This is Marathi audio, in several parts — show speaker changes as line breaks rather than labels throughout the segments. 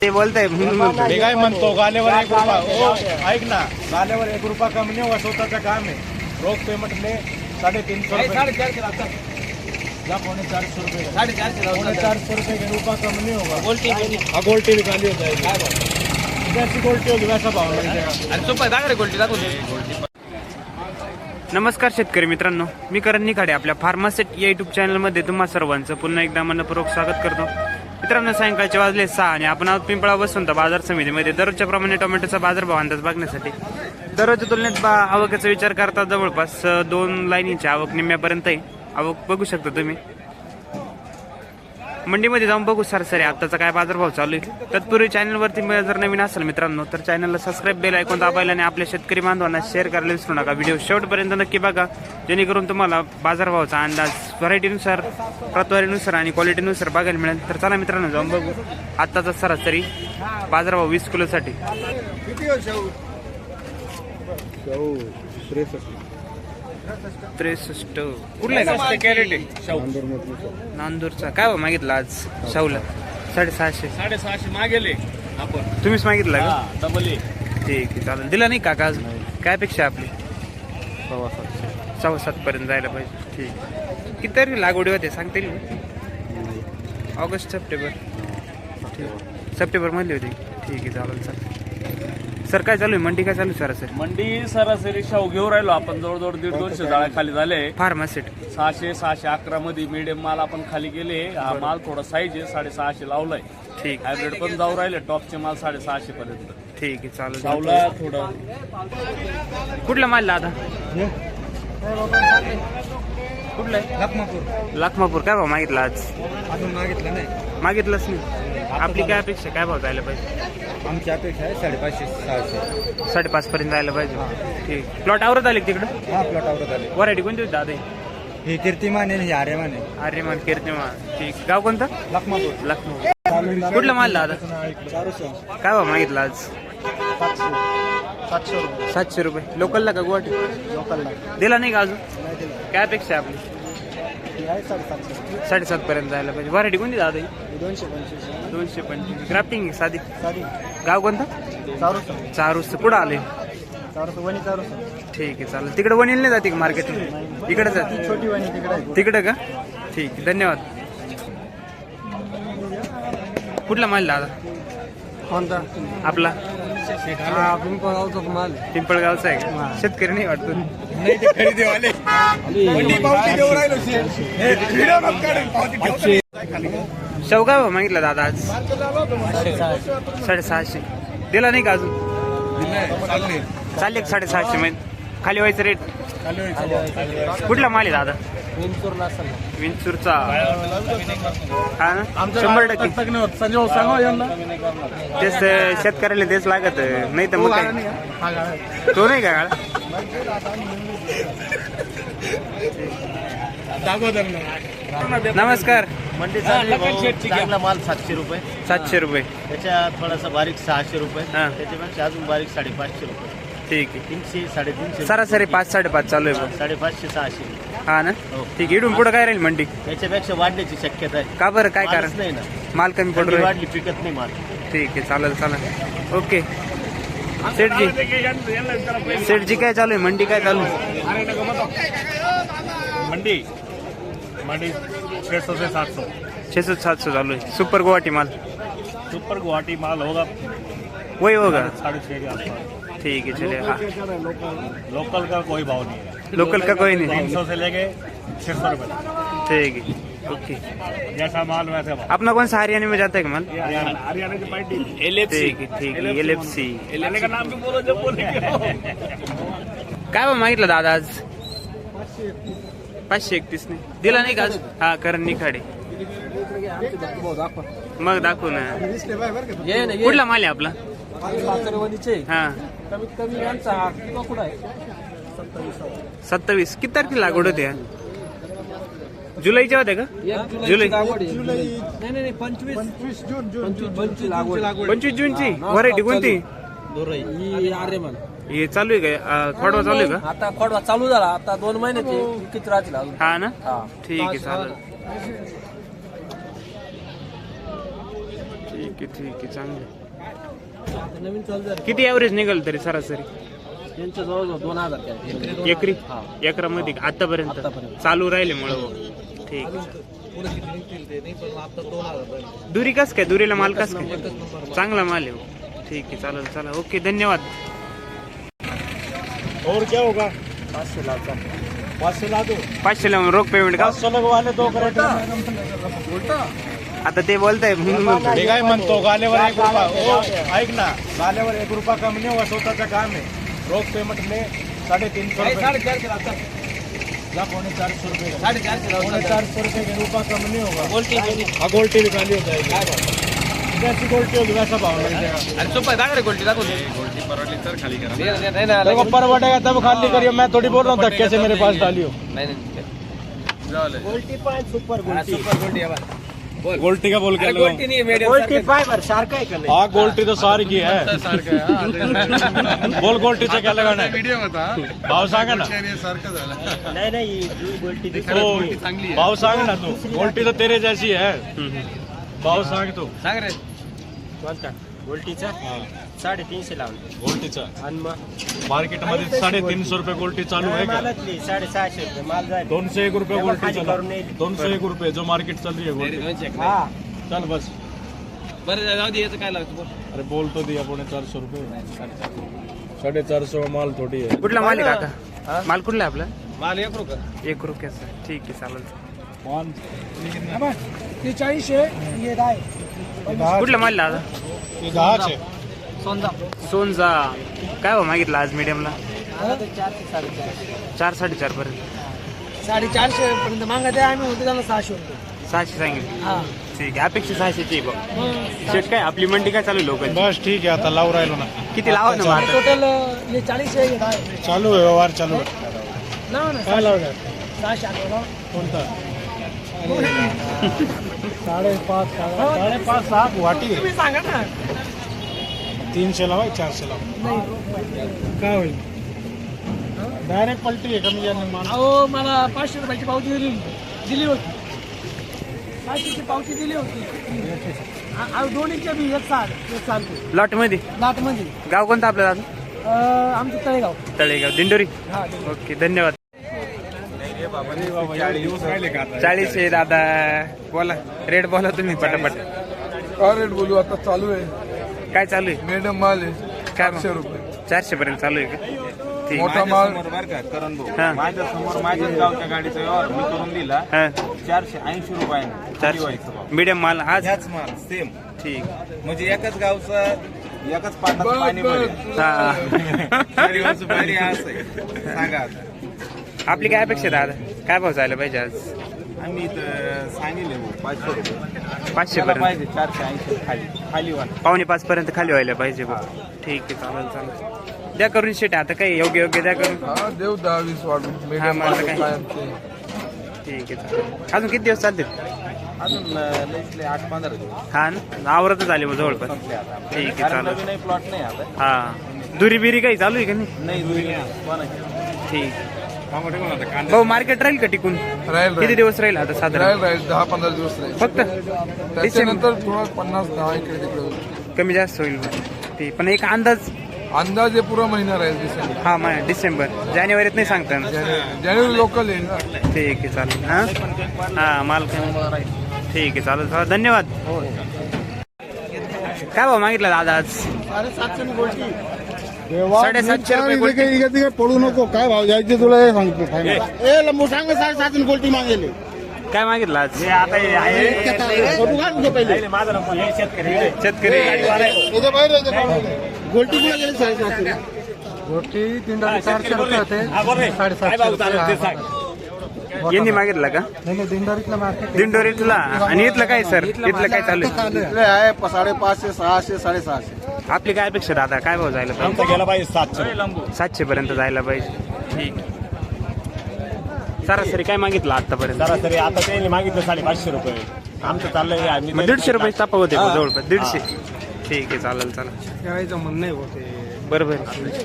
ते बोलताय म्हणून म्हणतो.
मी काय म्हणतो गालेवर 1 रुपया ऐक ना, गालेवर 1 रुपया कमी नाही हुआ, स्वतःचं काम आहे. रोख पेमेंटले 350 रुपये, 450 रुपये, 450 रुपये के रुपया कम नहीं होगा. गोल्टी निकाली होता है, जैसी गोल्टी होगी वैसा भाव मिलेगा.
नमस्कार शेतकरी मित्रांनो, मी करण निखाडे आपल्या फार्मासेट या युट्यूब चॅनलमध्ये तुम्हा सर्वांचं पुन्हा एकदा मनपूर्वक स्वागत करतो. मित्रांनो, सायंकाळचे वाजले 6 आणि आपण आहोत पिंपळा वसंत बाजार समितीमध्ये दररोजच्या प्रमाणे टोमॅटोचा बाजारभाव अंदाज बघण्यासाठी. दररोजच्या तुलनेत आवकेचा विचार करता जवळपास 2 लाईनीची आवक निम्म्यापर्यंत आहे. आवक बघू शकता तुम्ही. मंडीमध्ये जाऊन बघू सरासरी आत्ताचा काय बाजारभाव चालू आहे. तत्पूर्वी चॅनलवरती जर नवीन असेल मित्रांनो तर चॅनलला सबस्क्राईब बेल आयकॉन दाबायला आणि आपल्या शेतकरी बांधवांना शेअर करायला विसरू नका. व्हिडिओ शेवटपर्यंत नक्की बघा, जेणेकरून तुम्हाला बाजारभावाचा अंदाज व्हरायटीनुसार, प्रतवारीनुसार आणि क्वालिटीनुसार बघायला मिळेल. तर चला मित्रांनो, जाऊन बघू आत्ताचा सरासरी बाजारभाव 20 किलोसाठी. 63 कुठला कॅरेट आहे? नांदूरचा. काय भाव मागितला आज शाहूला? 650
मागेले आपण,
तुम्हीच मागितला का?
डबल.
ठीक आहे, चालेल. दिला नाही काका अजून? काय अपेक्षा आपली? 7.25 पर्यंत जायला पाहिजे. ठीक. किती तारीख लागवडी होते सांगता येईल? August September. ठीक, सप्टेंबर मध्ये होती. ठीक आहे, चालेल. चालेल सर, काय चालू आहे? मंडी काय चालू आहे सरासरी?
मंडी सरासरी शाहू घेऊन राहिलो आपण, जवळजवळ 150-200 जाळ्या खाली झाले.
फार्मासेट
600-611 मध्ये मीडियम माल आपण खाली गेले. हा माल थोडा साईज आहे, 650 लावलाय.
ठीक.
हायब्रिड पण जाऊ राहिले, टॉपचे माल 650 पर्यंत.
ठीक आहे, चालेल.
लावला थोडं.
कुठला माल दादा? कुठला आहे? लखमापूर. काय भाव मागितला आज?
अजून मागितलं नाही.
मागितलंच नाही. आपली काय अपेक्षा? काय भाव जायला पाहिजे?
आमची अपेक्षा आहे 550-600.
5.5 पर्यंत जायला पाहिजे. ठीक. प्लॉट आवरत आले तिकडं?
हा, प्लॉट आवरत आले.
व्हरायटी कोणती होती दादा?
हे कीर्तिमान आहे, हे आर्यमान आहे.
आर्यमान, कीर्तिमान. ठीक. गाव कोणतं?
लखमापूर.
लखनौ. कुठला माल दादा? काय भाव मागितला आज? 700 रुपये. लोकलला का गुवाहाटी?
लोकलला
दिला नाही का अजून? काय अपेक्षा आहे आपली? 7.5 पर्यंत जायला पाहिजे. व्हरायटी कोणती दादा? 225. ग्राफ्टिंग आहे साधी. गाव कोणतं? चारूस. कुठं आले? ठीक आहे, चालेल. तिकडे वणील नाही जाते का मार्केटला? इकडे जाते.
छोटी वाणी
तिकडे का? ठीक आहे, धन्यवाद. कुठला माल दादा?
कोणता?
आपला
पिंपळगावचा माल.
पिंपळगावचा आहे का? शेतकरी नाही वाटतो.
नाही, ते खरेदीवाले.
शेवगा भाव मागितला दादा आज? 650. दिला नाही का अजून? चालले 650 मध्ये खाली व्हायचं रेट. कुठला माल आहे दादा? विंचूरचा. हा ना, 100%.
संजय सांगा यांना.
तेच शेतकऱ्याला तेच लागत नाही तर मग काय? तो नाही का? नमस्कार.
चांगला माल 700 रुपये.
700 रुपये.
त्याच्या थोडासा बारीक 600 रुपये.
हा.
त्याच्यापेक्षा अजून बारीक 550 रुपये.
ठीक आहे.
300-350.
सरासरी 5-5.5 चालू आहे.
550-600.
हा ना.
हो.
ठीक आहे. इकडून पुढे काय राहील मंडी?
त्याच्यापेक्षा वाढण्याची शक्यता आहे.
का बरं? काय कारण?
मालच नाही ना,
माल कमी पडू
थंडी
राहील.
वाढली पिकत नाही माल.
ठीक आहे, चालेल. ओके. सेठजी काय चालू आहे? मंडी काय चालू आहे?
मंडी 600 से 700.
600-700 चालू आहे. सुपर गुवाहाटी माल.
सुपर गुवाहाटी माल होगा
वही होगा.
650 के आसपास.
ठीक है, चलिए. हाँ,
लोकल का कोई भाव नहीं है.
लोकल का कोई नहीं.
300 से लेके 600 रुपये.
ठीक है, ओके.
जैसा माल वैसे भाव.
अपना कौन सा हरियाणा में जाता है माल?
हरियाणा की पार्टी
ठीक है. LFC.
का नाम भी बोलो जब बोले.
काय भाव मागितलं दादा आज? 531 ने दिला नाही का आज? हा, करण निखाडे. मग दाखवू ना. कुठला माल आहे आपला? हा,
कमीत कमी यांचा कुठं आहे?
27. किती तारखेला लागवड होते? जुलैच्या होत्या का? जुलै.
नाही 25
जूनची. व्हरायटी कोणती?
आर्यमान.
हे चालू आहे का? खोडवा चालू आहे का?
आता खोडवा चालू झाला. आता 2 महिन्याचे किती राहतील अजून?
हा ना.
हा.
ठीक आहे, चालेल. ठीक ठीक आहे चांगलं.
नवीन चालू झालं
किती ॲव्हरेज निघाल तरी सरासरी
त्यांच्या जवळ 2000
एकरी
हा.
एकरामध्ये आतापर्यंत
आतापर्यंत.
चालू राहिले मुळे ठीक. दुरी कस काय दुरीला माल कस काय चांगला माल आहे. ठीक आहे चालेल चला ओके धन्यवाद.
और क्या होगा
500 लाख
500 ला दो
500 ला रोख पेमेंट का
500 लगवाले 2 करेक्ट
आता ते बोलताय म्हणून म्हणतो.
मी काय म्हणतो गाल्यावर 1 रुपया ऐक ना गाल्यावर 1 रुपया कमी नाही होत स्वतःचं काम आहे रोख पेमेंट में 350 रुपये जा 450 रुपये 450 रुपये के रुपया कम नहीं होगा गोल्टी भी खाली हो जाएगी जैसी गोल्टी होगी वैसा भाव लग जाएगा देखो परवटेगा तब खाली करियो मैं थोड़ी बोल रहा हूँ धक्के से मेरे पास डालियो गोल्टी 5 सुपर गोल्टी का बोल के
गोल्टी फायबर सारखं आहे का नाही
हाँ गोल्टी तो सारी की है बोल गोल्टी से क्या लगाना है भाव सांगा ना
नाही गोल्टी
तो भाव सांग ना तू गोल्टी तो तेरे जैसी है भाव सांग तू
सांग रे गोल्टीचा 350 लावलं
गोल्टीचा
आणि मग
मार्केटमध्ये 350 रुपये गोल्टी चालू आहे का
मालातली 650 रुपये माल जाईल
201 रुपये गोल्टी
खाली
चला
करून येईल.
201 रुपये जो मार्केट चालू आहे गोल्टी
हा
चल बस
बरं जाऊ दे याचं काय लागतं
अरे बोल तो दिया 450 रुपये 450 माल थोड़ी है
कुठला माल आहे काका माल कुठला आहे आपला
माल 1 रुपये
1 रुपयाचा ठीक आहे चालेल.
ये 40 है ये 10
कुठला माल दादा
ये 10 है
सोनचा काय हो मागितला आज मीडियमला 4-4.5 पर्यंत
450 पर्यंत मागत आहे आम्ही होतो त्याला 600 रुपये
600 सांगितलं
हा
ठीक आहे अपेक्षा 600 ची बघ शेट काय आपली मंडी काय चालू लोकांची
बस ठीक है आता लाव राहिलो ना
किती लावा ना मग आता
टोटल ये 40 है ये 10
चालू आहे व्यवहार चालू आहे
ना ना
काय लावणार
600
कोणता 5.5 6 गुवाहाटी आहे.
तुम्ही सांगा ना
300 लावा 400 लावा काय होईल डायरेक्ट पलटी आहे कमी जाने मान
अहो मला 500 रुपयाची पावती दिली होती 500ची पावती दिली होती दोन्हीच्या बी एक चालतो
लॉट मध्ये
लाटमध्ये
गाव कोणतं आपलं दादा
आमचं तळेगाव
तळेगाव दिंडोरी
हा
ओके धन्यवाद. 40 आहे दादा बोला रेट बोला तुम्ही पटापट
काय रेट बोलू आता चालू आहे
काय चालू आहे
मॅडम माल आहे
काय
400 रुपये
400 पर्यंत चालू आहे का ठीक
मोठा माल
हा
माझ्या समोर माझ्याच गावच्या गाडीचा व्यवहार मी करून दिला
हा
480 रुपयाने
400 मीडियम माल आज
ह्याच माल सेम
ठीक
म्हणजे एकाच गावचा एकाच पाटात पाणी भरेल
हा
सुपारी असं आहे. सांगा आता.
आपली काय अपेक्षा आहे दादा काय भाव जायला पाहिजे आज
आम्ही इथं सांगितले 500 रुपये
500
त्याला
पर्यंत
पाहिजे 480 खाली खाली वाला
4:45 पर्यंत खाली व्हायला पाहिजे बघ ठीक आहे चालेल चालेल द्या करून शेट आता काही योग्य द्या करून
हा देव 10-20 वाढून
हा,
मॅडम
मला
माल
काय.
कायमचे
ठीक आहे चालेल अजून किती दिवस चालतील
अजून लईतले 8-15 दिवस
हा ना आवरतच आले मग जवळपास
संपले आता
ठीक आहे
कारण
चालेल
नवीन प्लॉट नाही आता
हा दुरी बिरी काही चालू आहे का नाही
नाही दुसरी कोणाची
ठीक भाऊ मार्केट राहील का टिकून
राहील
किती दिवस राहील आता साधारण
राहील 10-15 दिवस राहील
फक्त
त्याच्यानंतर थोडा 50-10 इकडे तिकडे होईल.
कमी जास्त होईल ठीक पण एक अंदाज
अंदाज हे पुरा महिना राहील डिसेंबर
हा डिसेंबर जानेवारीत नाही सांगता येणार.
जानेवारी लोकल येईल ना
ठीक आहे चालेल हा हा माल ठीक आहे चालेल चालेल धन्यवाद काय भाव मागितला दादा आज
750 गोल्टी
750 रुपये गोल्टी.
पडू नको काय भाव द्यायचे तुला हे सांगतो ए लंबू सांग 7.5 गोल्टी मागेल
काय मागितलं आज शेतकरी
गोल्टी कुठे गेली 7.5 गोल्टी 400 रुपये होते 7.5
यांनी मागितलं का
दिंडारीतला मार्केट
दिंडोरीतला आणि इथलं काय सर इथलं काय चालू आहे
आहे 550 600 650
आपली काय अपेक्षा दादा काय भाव जायला पाहिजे
गेला पाहिजे 700
700 पर्यंत जायला पाहिजे ठीक सरासरी काय मागितलं आतापर्यंत
सरासरी आता त्यांनी मागितलं 550 रुपये आमचं चाललंय आम्ही
मग 150 रुपये तापा होते मग जवळपास 150 ठीक आहे चालेल चालेल
करायचं म्हणणं होते
बरोबर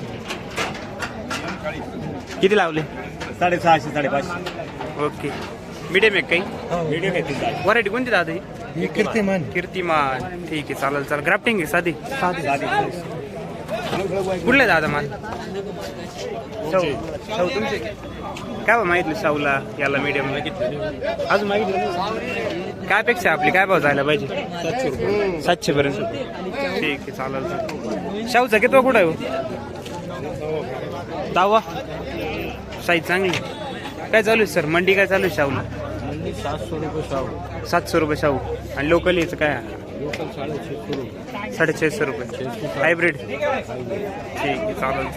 किती लावले
650 550
ओके मीडियम एक काही
मीडियम आहे
व्हरायटी कोणती दादा ही
ही कीर्तिमान
कीर्तिमान ठीक आहे चालेल चालेल ग्राफ्टिंग आहे साधी कुठले दादा माल शाहू तुमचे काय बा मागितलं शाहूला याला मीडियम अजून मागितलं काय अपेक्षा आपली काय भाव जायला पाहिजे 700 पर्यंत ठीक आहे चालेल शाहूचा किती कुठं आहे हो? 10वा साईज चांगली काय चालू आहे सर मंडी काय चालू आहे शाहूला 700 रुपये शाहू आणि लोकल याचं काय 650 रुपये हायब्रिड ठीक आहे चालेल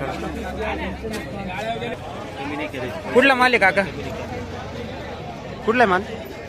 कुठला माल आहे काका कुठला माल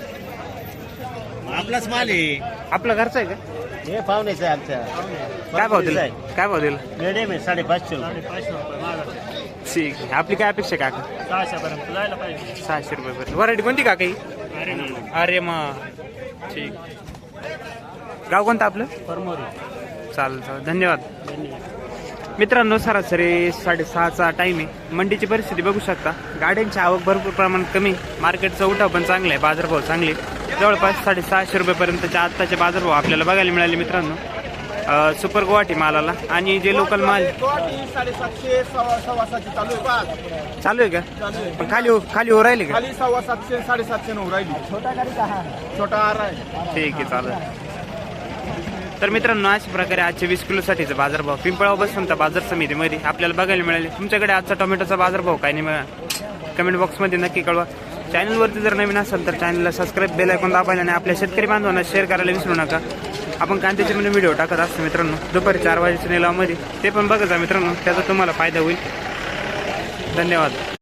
आपलाच माल आहे
आपला घरचा आहे का
हे पाहुण्याचं आहे आमच्या
काय भाव दिला काय भाव दिला
मिडियम आहे 550
ठीक आहे आपली काय अपेक्षा आहे काका 600 रुपये पर्यंत व्हरायटी कोणती काका ही अरे मग ठीक गाव कोणतं आपलं चालेल चालेल धन्यवाद मित्रांनो सरासरी 6:30चा टाईम आहे मंडीची परिस्थिती बघू शकता गाड्यांची आवक भरपूर प्रमाणात कमी मार्केटचा उठाव पण चांगला आहे बाजारभाव चांगले जवळपास 650 रुपयेपर्यंतच्या आत्ताचे बाजारभाव आपल्याला बघायला मिळाले मित्रांनो सुपर गुवाहाटी मालाला आणि जे लोकल माल
750 750 चालू आहे
चालू आहे का पण खाली हो राहिले का
खाली 750 750 न राहिली छोटा गाडी का छोटा आ रहा है
ठीक आहे चालेल तर मित्रांनो अशा प्रकारे आजचे 20 किलोसाठीचा बाजारभाव पिंपळाव बसवंत बाजार समितीमध्ये आपल्याला बघायला मिळाले तुमच्याकडे आजचा टोमॅटोचा बाजारभाव काय नाही बघा कमेंट बॉक्समध्ये नक्की कळवा चॅनलवरती जर नवीन असेल तर चॅनलला सबस्क्राईब बेल आयकॉन दाबायला आणि आपल्या शेतकरी बांधवांना शेअर करायला विसरू नका आपण कांद्याचे म्हणजे व्हिडिओ टाकत असतो मित्रांनो दुपारी 4 वाजेच्या निलावामध्ये ते पण बघा मित्रांनो त्याचा तुम्हाला फायदा होईल धन्यवाद